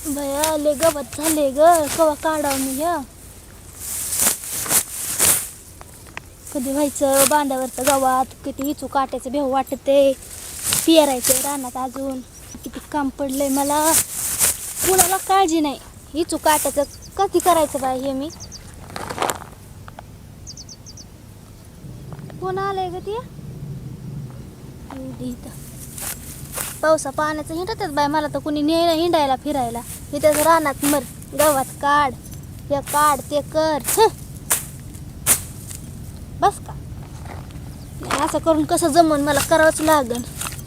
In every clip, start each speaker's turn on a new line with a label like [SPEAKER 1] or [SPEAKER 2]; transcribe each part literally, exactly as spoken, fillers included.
[SPEAKER 1] भया लय गवत झाले ग, कवा काढाव मी ह्या कधी व्हायचं बांधावरचं गवात. किती हिचू काट्याचं भेव वाटते, पेरायचं रानात अजून किती काम पडलंय मला. कुणाला काळजी नाही, हिचू काट्याचं कधी करायचं बाय हे. मी कोण आलंय ग ती इथं पावसा पाण्याचं हिंडतात बाय. मला तर कुणी ने हिंडायला फिरायला. इथं रानात मर, गवत काढ, हे काढ ते कर. हं. बस का असं करून कसं जमन, मला करावंच लागन.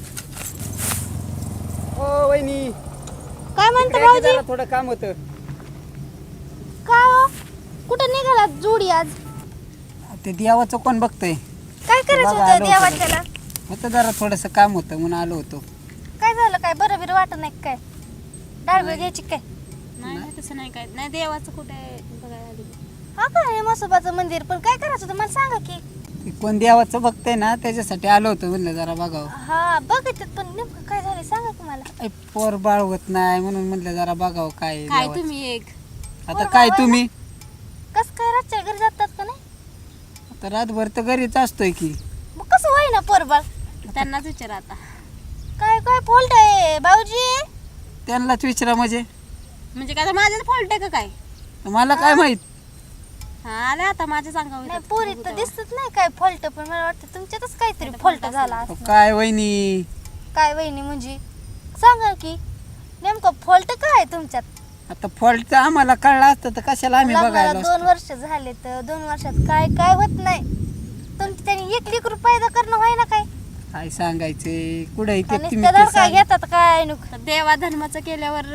[SPEAKER 2] ओ वहिनी,
[SPEAKER 1] काय म्हणता
[SPEAKER 2] इकडे
[SPEAKER 1] भाऊजी?
[SPEAKER 2] जरा थोडं काम होतं.
[SPEAKER 1] काय हो, कुठं निघाला जोडी आज?
[SPEAKER 2] ते देवाचं कोण बघतंय?
[SPEAKER 1] काय करायचं
[SPEAKER 2] बघा,
[SPEAKER 1] होतं
[SPEAKER 2] आलो
[SPEAKER 1] देवात
[SPEAKER 2] होतो.
[SPEAKER 1] त्याला?
[SPEAKER 2] होतं जरा थोडंसं काम होतं म्हणून आलो होतो.
[SPEAKER 1] काय झालं, काय बरं बिरं वाटत नाही काय? डाळबीळ घ्यायची काय?
[SPEAKER 3] नाही नाही तसं नाही काय नाही. देवाचं कुठे बघायला आली.
[SPEAKER 1] हा काय मसोबाचं मंदिर, पण काय करायचं होतं मला सांगा की.
[SPEAKER 2] ते कोण देवाचं बघतंय ना, त्याच्यासाठी आलो होतो म्हणलं जरा बघावं.
[SPEAKER 1] हा बघितलं, पण नेमकं काय झालं सांगा की मला.
[SPEAKER 2] काही पोर बाळ होत नाही म्हणून म्हणलं जरा बघावं काय आहे
[SPEAKER 3] काय
[SPEAKER 2] देवाचं.
[SPEAKER 3] तुम्ही एक
[SPEAKER 2] आता काय तुम्ही
[SPEAKER 1] कस काय रातच्या घरी जातात का नाही?
[SPEAKER 2] आता रातभर तर घरीच असतोय की.
[SPEAKER 1] मग कसं होई ना पोरबाळ?
[SPEAKER 3] त्यांनाच विचारा आता.
[SPEAKER 1] काय काय फॉल्ट आहे भाऊजी?
[SPEAKER 2] त्यांनाच विचारा म्हणजे
[SPEAKER 3] म्हणजे काय माझ्याच फॉल्ट आहे का काय?
[SPEAKER 2] मला काय माहित.
[SPEAKER 3] हा आले आता माझ्या सांगावं.
[SPEAKER 1] नाही पोरी तर दिसत नाही काय फॉल्ट, पण मला वाटतं तुमच्यातच काहीतरी फॉल्ट झाला
[SPEAKER 2] अहो,
[SPEAKER 1] असणार.
[SPEAKER 2] काय वहिनी,
[SPEAKER 1] काय वहिनी म्हणजे सांगा की नेमकं फॉल्ट काय आहे तुमच्यात?
[SPEAKER 2] आता फॉल्टचं आम्हाला कळलं असतं तर कशाला आम्ही
[SPEAKER 1] लग्नाला
[SPEAKER 2] बघायला
[SPEAKER 1] दोन
[SPEAKER 2] असतो.
[SPEAKER 1] वर्ष झाले तर दोन वर्षात काय काय होत नाही. तुमची त्यांनी एक लेकरू पैदा करणं व्हाय ना काय?
[SPEAKER 2] काय सांगायचे कुठे इथे
[SPEAKER 1] आणि
[SPEAKER 2] तुम्ही ते
[SPEAKER 1] काय
[SPEAKER 2] सांग.
[SPEAKER 1] घेतात काय नुक
[SPEAKER 3] देवा धर्माचं केल्यावर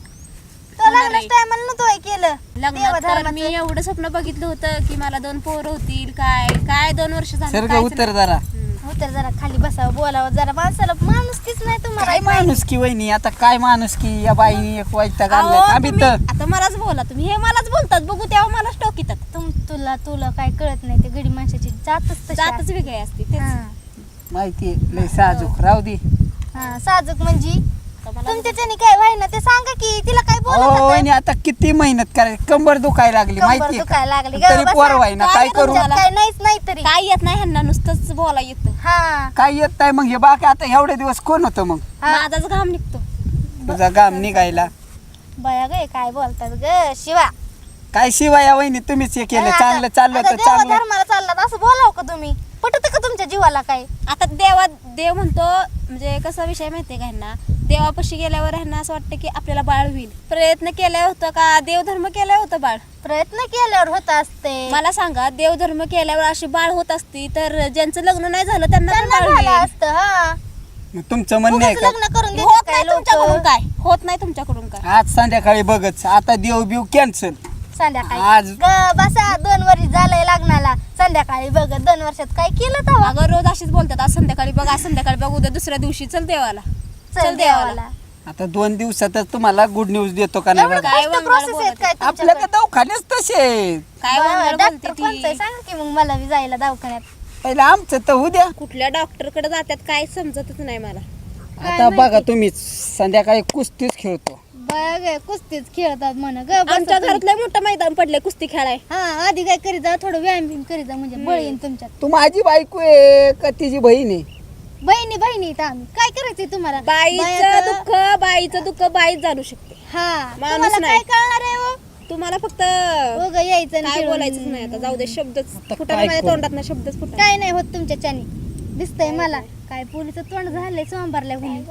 [SPEAKER 1] तो लग्नाच्या टायमाला नव्हतं केलं
[SPEAKER 3] लग्नात
[SPEAKER 1] देवा
[SPEAKER 3] तर
[SPEAKER 1] धर्माचं.
[SPEAKER 3] मी एवढं स्वप्न बघितलं होतं की मला दोन पोरं होतील. काय काय दोन वर्ष झाली
[SPEAKER 2] सर्ग
[SPEAKER 3] काहीच
[SPEAKER 2] उतर
[SPEAKER 3] नाही.
[SPEAKER 2] जरा.
[SPEAKER 3] हम्म.
[SPEAKER 1] हो तर जरा खाली बसावं बोलावं जरा. माणसाला माणूस तीच नाही तुम्हाला.
[SPEAKER 2] काय माणूस की वहिनी, आता काय माणूस की या बाईनी एक वाईट
[SPEAKER 3] अहो,
[SPEAKER 2] आणलाय आम्ही
[SPEAKER 3] तुम्ही-
[SPEAKER 2] तर.
[SPEAKER 3] आता मलाच बोला तुम्ही. हे मलाच बोलतात बघू तेव्हा मलाच टोकीतात.
[SPEAKER 1] तुम तुला तुला काय कळत नाही. ते गडी माणसाची जातच तशी
[SPEAKER 3] जातच
[SPEAKER 1] असते.
[SPEAKER 3] वेगळी असते तेच.
[SPEAKER 1] हा.
[SPEAKER 2] माहितीये लय साजूक राहू दे.
[SPEAKER 1] हा साजूक म्हणजे
[SPEAKER 3] आता मला
[SPEAKER 1] तुमच्याच्याने काय व्हाय ना ते सांगा की. तिला काय
[SPEAKER 2] हो
[SPEAKER 1] बोलत
[SPEAKER 2] वहिनी, आता किती मेहनत करायची, कंबर दुखायला लागली माहितीये का?
[SPEAKER 1] दुखायला लागली
[SPEAKER 2] तरी पोर व्हायना, काय करू?
[SPEAKER 1] तुमच्यात काय नाहीच नाही तरी.
[SPEAKER 3] काय येत नाही ह्यांना, नुसतंच बोला येतं.
[SPEAKER 1] हा
[SPEAKER 2] काय येत नाही मग हे बाकी. आता एवढे दिवस कोण होतं मग
[SPEAKER 1] हा.
[SPEAKER 3] माझाच घाम निघतो.
[SPEAKER 2] तुझा गाम निघायला?
[SPEAKER 1] बया गे काय बोलतात ग शिवा.
[SPEAKER 2] काय शिवाय या वहिनी तुम्हीच हे केलं.
[SPEAKER 1] आता-
[SPEAKER 2] चांगलं चाललं
[SPEAKER 1] आता
[SPEAKER 2] होतं
[SPEAKER 1] देवा
[SPEAKER 2] चांगलं.
[SPEAKER 1] धर्माला चाललात असं बोलाव का तुम्ही? पटत का तुमच्या जीवाला काय?
[SPEAKER 3] आता देवा देव म्हणतो म्हणजे कसा विषय माहितीये का ह्यांना, देवापाशी गेल्यावर ह्यांना असं वाटतं की आपल्याला बाळ होईल. प्रयत्न केला होता का देवधर्म केला होता बाळ?
[SPEAKER 1] प्रयत्न केल्यावर होत असते.
[SPEAKER 3] मला सांगा, देवधर्म केल्यावर अशी बाळ होत असती तर ज्यांचं लग्न नाही झालं त्यांना पण
[SPEAKER 1] त्यांना
[SPEAKER 3] बाळ
[SPEAKER 1] झालं
[SPEAKER 3] होईल.
[SPEAKER 1] असतं. हा
[SPEAKER 2] मग तुमचं म्हणणं आहे
[SPEAKER 1] उगाच
[SPEAKER 2] का
[SPEAKER 1] लग्न करून
[SPEAKER 3] होत
[SPEAKER 1] देतात
[SPEAKER 3] नाही
[SPEAKER 1] काय
[SPEAKER 3] तुमच्याकडून
[SPEAKER 1] लोक.
[SPEAKER 3] काय होत नाही तुमच्याकडून काय.
[SPEAKER 2] आज संध्याकाळी बघच. आता देव बिव कॅन्सल.
[SPEAKER 1] संध्याकाळी
[SPEAKER 2] आज-
[SPEAKER 1] ग बसा दोन वर्ष झालंय लग्नाला. संध्याकाळी बघ दोन वर्षात काय केलं तेव्हा?
[SPEAKER 3] अगं रोज अशीच बोलतात, आज संध्याकाळी बघ, आज संध्याकाळी बघ, उद्या दुसऱ्या दिवशी चल देवाला.
[SPEAKER 1] चल देवाला.
[SPEAKER 2] आता दोन दिवसातच तुम्हाला गुड न्यूज देतो का नाही
[SPEAKER 1] एवढं
[SPEAKER 2] बघा.
[SPEAKER 3] काय
[SPEAKER 1] कष्ट
[SPEAKER 3] वंगाळ
[SPEAKER 1] प्रोसेस आहेत
[SPEAKER 3] बोलत
[SPEAKER 1] काय
[SPEAKER 2] आपल्या
[SPEAKER 1] तुमच्याकडे?
[SPEAKER 2] का दवाखान्याच तसे आहेत.
[SPEAKER 3] काय
[SPEAKER 1] बरं,
[SPEAKER 3] वंगाळ
[SPEAKER 1] डॉक्टर
[SPEAKER 3] बोलते
[SPEAKER 1] कोणतं आहे?
[SPEAKER 3] ती.
[SPEAKER 1] सांगा की मग मला बी जायला दवाखान्यात.
[SPEAKER 2] पहिलं आमचं तर उद्या.
[SPEAKER 3] कुठल्या डॉक्टरकडे जातात काय समजतच नाही मला.
[SPEAKER 2] आता बघा तुम्ही संध्याकाळी कुस्तीच खेळतो.
[SPEAKER 1] बघ कुस्तीच खेळतात म्हण ग. बसा
[SPEAKER 3] आमच्या
[SPEAKER 1] तुम्ही.
[SPEAKER 3] घरात लय मोठं मैदान पडलंय कुस्ती खेळाय.
[SPEAKER 1] हा आधी काय करीत जा, थोडं व्यायाम बिम करीत जा म्हणजे बळ येईन तुमच्यात.
[SPEAKER 2] तू माझी बायको आहे का तिची बहीण आहे?
[SPEAKER 1] बहिणी बहिणी इथं आम्ही काय करायचंय तुम्हाला?
[SPEAKER 3] बाईचं
[SPEAKER 1] बायाचं-
[SPEAKER 3] दुःख बाईचं दुःख बाईच जाणू शकते.
[SPEAKER 1] हा
[SPEAKER 3] माणूस
[SPEAKER 1] तुम्हाला
[SPEAKER 3] नाही.
[SPEAKER 1] काय कळणार आहे हो?
[SPEAKER 3] तुम्हाला फक्त
[SPEAKER 1] हो ग यायचं आणि
[SPEAKER 3] काय
[SPEAKER 1] खेळून.
[SPEAKER 3] बोलायचंच नाही आता. जाऊ दे, शब्दच
[SPEAKER 2] आता
[SPEAKER 3] फुटा
[SPEAKER 2] काय
[SPEAKER 3] माझ्या
[SPEAKER 2] करू?
[SPEAKER 3] तोंडात ना शब्दच फुटा.
[SPEAKER 1] काय नाही होत तुमच्याच्यानी. दिसतंय मला काय पोलीचं तोंड झालंय सोमवारल्या कुणी.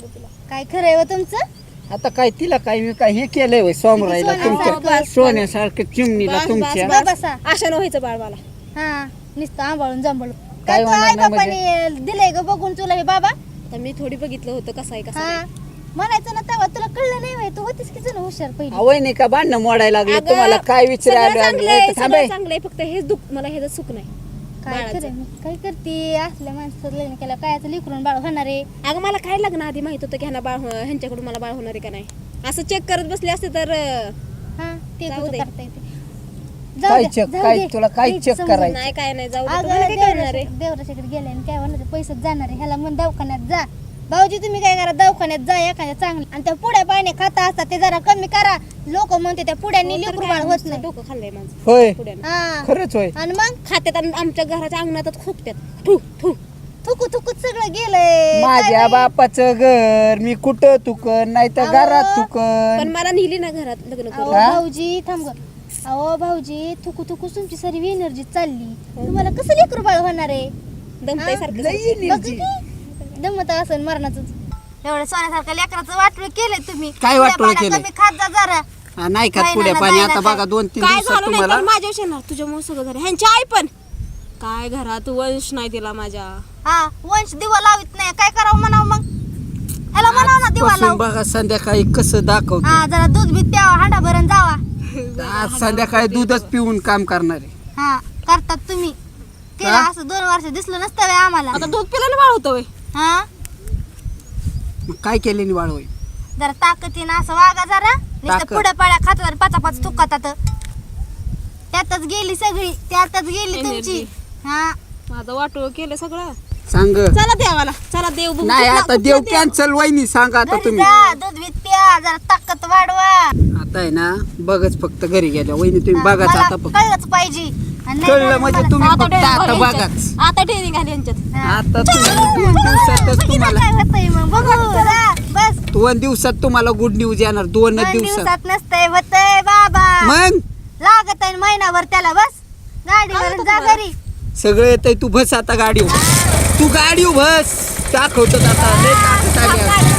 [SPEAKER 1] काय खरंय हो तुमचं?
[SPEAKER 2] आता काय तिला काय मी काय हे केलंय होय सोमरायला
[SPEAKER 1] सोन्यासारखं
[SPEAKER 2] तुमच्या
[SPEAKER 3] बस.
[SPEAKER 2] सोन्यासारखं चिमणीला
[SPEAKER 3] बस, बस,
[SPEAKER 2] तुमच्या.
[SPEAKER 3] बस.
[SPEAKER 1] ग बसा.
[SPEAKER 3] आशा न व्हायचं बाळ मला.
[SPEAKER 1] हा नुसतं आंबाळून जांभळून.
[SPEAKER 2] काय
[SPEAKER 1] काय
[SPEAKER 2] होणार
[SPEAKER 1] आई
[SPEAKER 2] नाही
[SPEAKER 1] बापाने दिलंय ग बघून तुला हे बाबा?
[SPEAKER 3] आता मी थोडी बघितलं होतं कसं आहे कसं
[SPEAKER 1] हा
[SPEAKER 3] नाही.
[SPEAKER 1] म्हणायचं ना तेव्हा तुला कळलं नाही व्हय? तू होतीस की जण हुशार पहिली.
[SPEAKER 2] आवय नाही का भांडणं मोडायला लागले
[SPEAKER 3] अगं,
[SPEAKER 2] तुम्हाला काय
[SPEAKER 3] सगळं
[SPEAKER 2] विचारायला
[SPEAKER 3] चांगलंय,
[SPEAKER 2] लागले? थांबे.
[SPEAKER 3] सगळं चांगलंय, फक्त हेच दुःख मला हेच सुख नाही.
[SPEAKER 1] काय
[SPEAKER 3] बाळाचं.
[SPEAKER 1] खरं मग काय करते असल्या माणसाचं लग्न केलं काय लिकरून बाळ होणार आहे?
[SPEAKER 3] अगं मला काय लग्न आधी माहित होतं की ह्यांना बाळ हो- ह्यांच्याकडून मला बाळ होणार आहे का नाही. असं चेक करत बसले असते तर अं,
[SPEAKER 1] हा ते
[SPEAKER 3] जाऊ
[SPEAKER 1] तुझं
[SPEAKER 3] दे.
[SPEAKER 1] करता येते. जाऊ
[SPEAKER 2] काय
[SPEAKER 1] दे,
[SPEAKER 2] check?
[SPEAKER 1] जाऊ
[SPEAKER 2] काय
[SPEAKER 1] दे.
[SPEAKER 2] तुला काय
[SPEAKER 1] नीट
[SPEAKER 2] check
[SPEAKER 1] समजून.
[SPEAKER 2] करायचं?
[SPEAKER 3] नाही काय नाही जाऊ दे.
[SPEAKER 1] अगं
[SPEAKER 3] तुम्हाला काय करणार आहे.
[SPEAKER 1] देवराच्या- देवराच्याकडे गेल्या आणि काय होणार आहे? पैसेच जाणार आहे ह्याला मन दवाखान्यात जा. भाऊजी तुम्ही काय करा दवाखान्यात जा एखाद्या चांगलं आणि त्या पुड्या पाणी खाता असतात ते जरा कमी करा. लोक म्हणते त्या पुड्यांनी लेकरू बाळ होत नाही.
[SPEAKER 3] डोकं खाल्लंय माझं
[SPEAKER 2] होय
[SPEAKER 3] पुढ्यानं.
[SPEAKER 1] हा
[SPEAKER 2] खरंच होय.
[SPEAKER 1] आणि मग
[SPEAKER 3] खात्यात आणि आमच्या घराच्या अंगणातच खोकत्यात ठू ठू
[SPEAKER 1] थुकू थुकूच सगळं गेलंय.
[SPEAKER 2] माझ्या बापाचं घर मी कुठं तुकन नाही तर
[SPEAKER 1] अहो.
[SPEAKER 2] घरात
[SPEAKER 3] पण
[SPEAKER 2] तुकन.
[SPEAKER 3] मला नेली ना घरात लग्न
[SPEAKER 1] अहो
[SPEAKER 3] करून
[SPEAKER 2] हा?
[SPEAKER 1] भाऊजी थांब ग. अहो भाऊजी थुकू थुकू तुमची सारी एनर्जी चालली. तुम्हाला कसं लेकरू बाळ होणार आहे?
[SPEAKER 3] दमतय सारखं
[SPEAKER 2] लई
[SPEAKER 3] सारखं.
[SPEAKER 1] बघ
[SPEAKER 2] energy.
[SPEAKER 1] की, दमत असं मरणाचं. एवढं सोन्यासारखं लेकराचं वाटोळ केलंय तुम्ही.
[SPEAKER 2] काय वाटोळ
[SPEAKER 1] पुड्या पाण्या
[SPEAKER 2] केलंय?
[SPEAKER 1] कमी खात जा जरा.
[SPEAKER 2] हा, नाही खात
[SPEAKER 1] नाही,
[SPEAKER 2] पुढे
[SPEAKER 1] नाही,
[SPEAKER 2] पाणी
[SPEAKER 1] नाही,
[SPEAKER 2] आता
[SPEAKER 1] नाही.
[SPEAKER 2] बघा दोन तीन
[SPEAKER 3] काय
[SPEAKER 2] दिवसात
[SPEAKER 3] झालं नाही
[SPEAKER 2] तुम्हाला
[SPEAKER 3] तर माझ्या येणार तुझ्यामुळे सगळं घर ह्यांची आई पण काय घरात वंश नाही दिला माझ्या
[SPEAKER 1] हा वंश दिवा लावित नाही काय करावं म्हणावं मग. ह्याला म्हणावं ना दिवा
[SPEAKER 2] आजपासून
[SPEAKER 1] लाव.
[SPEAKER 2] बघा संध्याकाळी कसं दाखवतो.
[SPEAKER 1] हा जरा दूध बीत प्यावा हांडा भरून जावा.
[SPEAKER 2] आज संध्याकाळी दूधच पिऊन काम करणारे.
[SPEAKER 1] हा करतात तुम्ही. केलं
[SPEAKER 2] हा?
[SPEAKER 1] असं दोन वर्ष दिसलं नसतं व्हय आम्हाला.
[SPEAKER 3] आता दूध पिल्याने बाळ होतं वय
[SPEAKER 1] हा
[SPEAKER 2] मग काय केले वाळ होय.
[SPEAKER 1] जरा ताकदीनं असं वागा जरा. नुसतं
[SPEAKER 2] ताकद.
[SPEAKER 1] पुढे पाड्या खातात आणि पाचा पाच तुकातात. त्यातच गेली सगळी त्यातच गेली तुमची.
[SPEAKER 3] Energy.
[SPEAKER 1] हा
[SPEAKER 3] माझं वाटोळ केलं सगळं
[SPEAKER 2] सांग
[SPEAKER 3] चला देवाला चला देव बघू.
[SPEAKER 2] नाही
[SPEAKER 3] कुठला-
[SPEAKER 2] आता देव
[SPEAKER 3] कुठला
[SPEAKER 2] कॅन्सल वहिनी सांगा आता
[SPEAKER 1] घरी
[SPEAKER 2] तुम्ही.
[SPEAKER 1] जा दूध बीत प्या जरा ताकद वाढवा.
[SPEAKER 2] आता आहे ना बघच फक्त घरी गेल्या वहिनी तुम्ही
[SPEAKER 1] हा,
[SPEAKER 2] बघाच
[SPEAKER 1] मला
[SPEAKER 2] आता फक्त.
[SPEAKER 1] कळलंच पाहिजे. आणि नाही
[SPEAKER 2] कळलं
[SPEAKER 1] झालं
[SPEAKER 2] म्हणजे
[SPEAKER 1] मला-
[SPEAKER 2] तुम्ही
[SPEAKER 3] आता
[SPEAKER 2] फक्त
[SPEAKER 3] ट्रेनिंग
[SPEAKER 2] आता
[SPEAKER 3] आली
[SPEAKER 2] बघाच.
[SPEAKER 3] यांच्यात. आता ट्रेनिंग आली यांच्यात
[SPEAKER 1] हा.
[SPEAKER 2] आता तुम्ही दोन दिवसातच
[SPEAKER 1] बघितलं
[SPEAKER 2] तुम्हाला
[SPEAKER 1] काय होतंय मग बघू जा, बस
[SPEAKER 2] दोन दिवसात तुम्हाला गुड न्यूज येणार. दोन
[SPEAKER 1] दोन
[SPEAKER 2] दिवसात
[SPEAKER 1] दिवसात नसतंय होतंय बाबा.
[SPEAKER 2] मग
[SPEAKER 1] लागत आहे महिनाभर त्याला बस गाडीवर जा घरी.
[SPEAKER 2] सगळं येतंय. तू बस आता गाडीवर. तू गाडीवर बस दाखवतो आता लय ताकद आली आहे.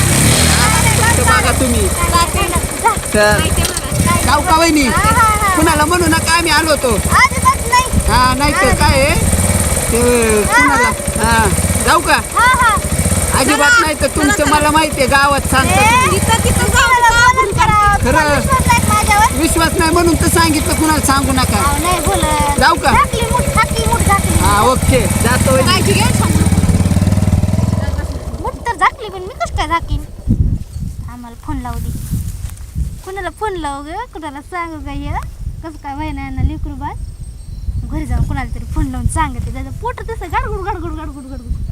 [SPEAKER 2] फक्त बघा तुम्ही तर जाऊ का वहिनी कुणाला म्हणू नका आम्ही आलो होतो.
[SPEAKER 1] अजिबात नाही.
[SPEAKER 2] हा नाही तर काय आहे ते कुणाला हा जाऊ का
[SPEAKER 1] हा हा
[SPEAKER 2] अजिबात नाही तर तुमचं मला माहिती आहे गावात सांगतात.
[SPEAKER 3] तिथं तिथं
[SPEAKER 1] तुम्हाला बोलून करा.
[SPEAKER 2] खरं.
[SPEAKER 1] तुम्हाला विश्वास नाही माझ्यावर.
[SPEAKER 2] विश्वास नाही म्हणून तर सांगितलं कुणाला सांगू नका.
[SPEAKER 1] अहो, नाही बोलत.
[SPEAKER 2] जाऊ का?
[SPEAKER 1] झाकली मूठ झाकली मूठ झाकली
[SPEAKER 2] हा ओके जातो वहिनी.
[SPEAKER 3] काळजी घ्या सांगू.
[SPEAKER 1] मूठ तर झाकली पण मी कसं काय झाकीन. आम्हाला फोन लावू दे. कुणाला फोन लावू ग कुणाला सांगू का हे कसं काय व्हायना यांना लेकरू बाळ. घरी जाऊन कुणाला तरी फोन लावून सांगते त्याचं पोट तसं गाडगुड गाडगुड गाडगुड गाडगुड